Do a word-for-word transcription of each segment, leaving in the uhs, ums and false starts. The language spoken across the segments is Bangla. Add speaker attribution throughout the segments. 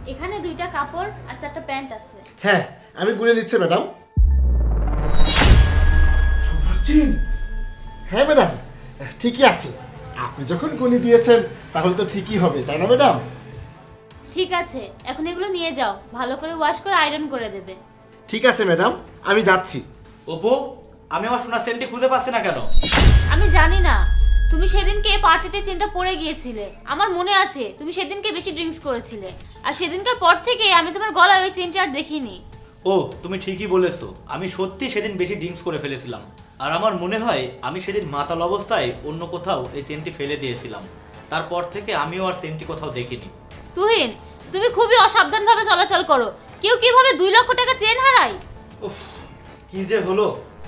Speaker 1: এখানে দুইটা কাপড় আর চারটা প্যান্ট আছে।
Speaker 2: হ্যাঁ আমি গুনে নিচ্ছি ম্যাডাম। সোনার চেন? হ্যাঁ ম্যাডাম ঠিকই আছে, আপনি যখন গুনে দিয়েছেন তাহলে তো ঠিকই হবে, তাই না ম্যাডাম?
Speaker 1: ঠিক আছে, এখন এগুলো নিয়ে যাও, ভালো করে ওয়াশ করে আয়রন করে দেবে।
Speaker 2: ঠিক আছে ম্যাডাম, আমি যাচ্ছি।
Speaker 3: অপু, আমি আমার সোনার চেনটি খুঁজে পাচ্ছি না কেন?
Speaker 1: আমি জানি না, তুমি সেদিনকে পার্টিতে চেনটা পরে গিয়েছিলে, আমার মনে আছে তুমি সেদিনকে বেশি ড্রিঙ্কস করেছিলে, আর সেদিনকার পর থেকে আমি তোমার গলায় ওই চেনটা আর দেখিনি।
Speaker 3: ও তুমি ঠিকই বলেছো, আমি সত্যি সেদিন বেশি ড্রিঙ্কস করে ফেলেছিলাম। আর আমার মনে হয় আমি সেদিন মাতাল অবস্থায় অন্য কোথাও এই চেনটি ফেলে দিয়েছিলাম। তারপর থেকে আমিও আর চেনটি কোথাও দেখিনি।
Speaker 1: তুহিন, তুমি খুবই অসাবধানভাবে চলাচল করো, কেউ কিভাবে দুই লক্ষ টাকা চেন হারায়?
Speaker 3: উফ, কি যে হলো।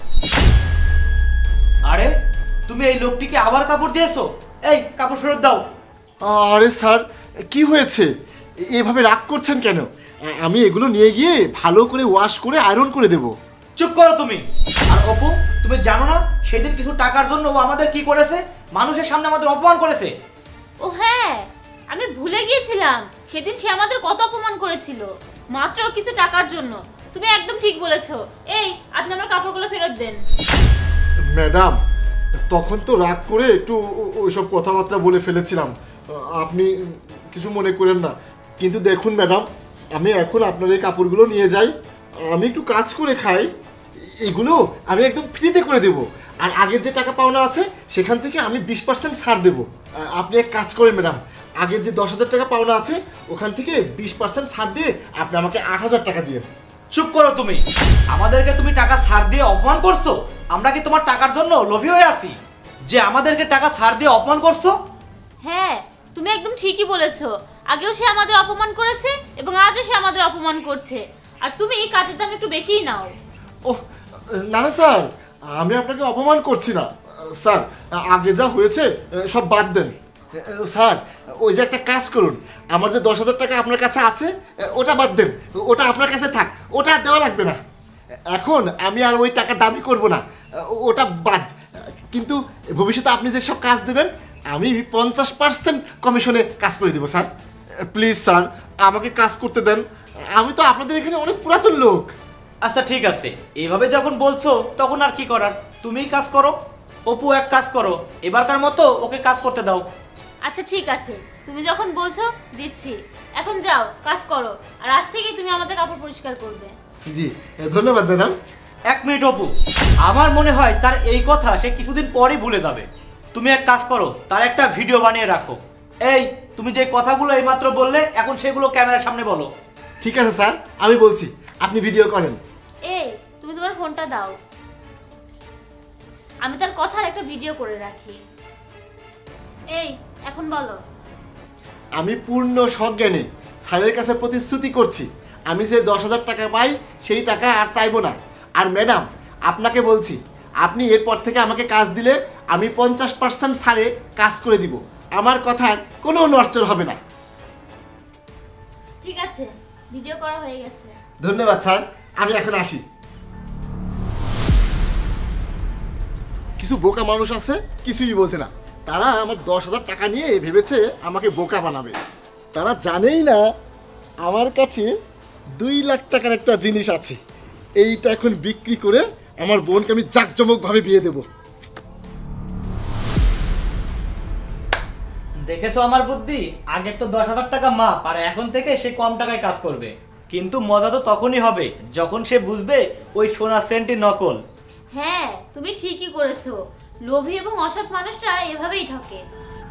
Speaker 3: আরে তুমি এই লোকটিকে আবার কাপড় দিয়েছো? এই কাপড় ফেরত দাও।
Speaker 2: আরে স্যার কি হয়েছে, এভাবে রাগ করছেন কেন? আমি এগুলো নিয়ে গিয়ে ভালো করে ওয়াশ করে আয়রন করে দেব।
Speaker 3: চুপ করো তুমি। আর অপু, তুমি জানো না সেদিন কিছু টাকার জন্য ও আমাদের কি করেছে? মানুষের সামনে আমাদের অপমান করেছে।
Speaker 1: ও হ্যাঁ, আমি ভুলে গিয়েছিলাম সেদিন সে আমাদের কত অপমান করেছিল, মাত্র কিছু টাকার জন্য। তুমি একদম ঠিক বলেছো। এই, আপনি আমার কাপড়গুলো ফেরত দেন।
Speaker 2: ম্যাডাম তখন তো রাগ করে একটু ওইসব কথাবার্তা বলে ফেলেছিলাম, আপনি কিছু মনে করেন না। কিন্তু দেখুন ম্যাডাম, আমি এখন আপনার এই কাপড়গুলো নিয়ে যাই, আমি একটু কাজ করে খাই, এগুলো আমি একদম ফ্রিতে করে দেব। আর আগের যে টাকা পাওনা আছে সেখান থেকে আমি বিশ পার্সেন্ট ছাড় দেবো। আপনি এক কাজ করেন ম্যাডাম, আগের যে দশ হাজার টাকা পাওনা আছে ওখান থেকে বিশ পার্সেন্ট ছাড় দিয়ে আপনি আমাকে আট হাজার টাকা দিয়ে।
Speaker 3: চুপ করো তুমি। আমাদেরকে তুমি টাকা ছাড় দিয়ে অপমান করছো? আমরা কি তোমার টাকার জন্য লোভী হয়ে আছি যে আমাদেরকে টাকা ছাড় দিয়ে অপমান করছো?
Speaker 1: হ্যাঁ, তুমি একদম ঠিকই বলেছো। আগেও সে আমাদের অপমান করেছে এবং আজও সে আমাদের অপমান করছে, আর তুমি এই কাজের দাম একটু বেশিই নাও।
Speaker 2: ওহ না না স্যার, আমি আপনাকে অপমান করছি না স্যার, আগে যা হয়েছে সব বাদ দেন। স্যার ওই যে একটা কাজ করুন, আমার যে দশ হাজার টাকা আপনার কাছে আছে ওটা বাদ দেন, ওটা আপনার কাছে থাক, ওটা আর দেওয়া লাগবে না। এখন আমি আর ওই টাকা দাবি করব না, ওটা বাদ। কিন্তু ভবিষ্যতে আপনি যে সব কাজ দেবেন আমি পঞ্চাশ পার্সেন্ট কমিশনে কাজ করে দেবো স্যার। প্লিজ স্যার আমাকে কাজ করতে দেন, আমি তো আপনাদের এখানে অনেক পুরাতন লোক।
Speaker 3: আচ্ছা ঠিক আছে, এইভাবে যখন বলছো তখন আর কি করার, তুমিই কাজ করো। অপু এক কাজ করো, এবারকার মতো ওকে কাজ করতে দাও।
Speaker 1: আচ্ছা ঠিক আছে, তুমি যখন বলছো দিচ্ছি। এখন যাও কাজ করো, আর আজ থেকেই তুমি আমাদের কাপড় পরিষ্কার করবে।
Speaker 2: জি ধন্যবাদ ম্যাডাম।
Speaker 3: এক মিনিট অপু, আমার মনে হয় তার এই কথা সে কিছুদিন পরই ভুলে যাবে। তুমি এক কাজ করো, তার একটা ভিডিও বানিয়ে রাখো। এই তুমি যে কথাগুলো এইমাত্র বললে এখন সেগুলো ক্যামেরার সামনে বলো।
Speaker 2: ঠিক আছে স্যার, আমি বলছি, আপনি ভিডিও করেন।
Speaker 1: এই, তুমি তোমার ফোনটা দাও, আমি তার কথার একটা ভিডিও করে রাখি। এই, এখন বলো।
Speaker 2: আমি পূর্ণ সজ্ঞানে স্যারের কাছে প্রতিশ্রুতি করছি, আমি যে দশ হাজার টাকা পাই সেই টাকা আর চাইবো না। আর ম্যাডাম আপনাকে বলছি, আপনি এরপর থেকে আমাকে কাজ দিলে আমি পঞ্চাশ পার্সেন্ট ছাড়ে কাজ করে দিব, আমার কথার কোনো নড়চড় হবে না।
Speaker 1: ঠিক আছে, ভিডিও করা হয়ে গেছে।
Speaker 2: ধন্যবাদ স্যার, আমি এখন আসি। কিছু বোকা মানুষ আছে কিছুই বোঝে না, তারা আমার দশ হাজার টাকা নিয়ে ভেবেছে আমাকে বোকা বানাবে। তারা জানেই না আমার কাছে দুই লাখ টাকার একটা জিনিস আছে, এইটা এখন বিক্রি করে আমার বোনকে আমি জাঁকজমকভাবে বিয়ে দেবো।
Speaker 3: দেখেছো আমার বুদ্ধি? আগে তো দশ হাজার টাকা মাপ, আর এখন থেকে সে কম টাকায় কাজ করবে। কিন্তু মজা তো তখনই হবে যখন সে বুঝবে ওই সোনার সেন্টটি নকল।
Speaker 1: হ্যাঁ, তুমি ঠিকই করেছো, লোভী এবং অসৎ মানুষরা এভাবেই ঠকে।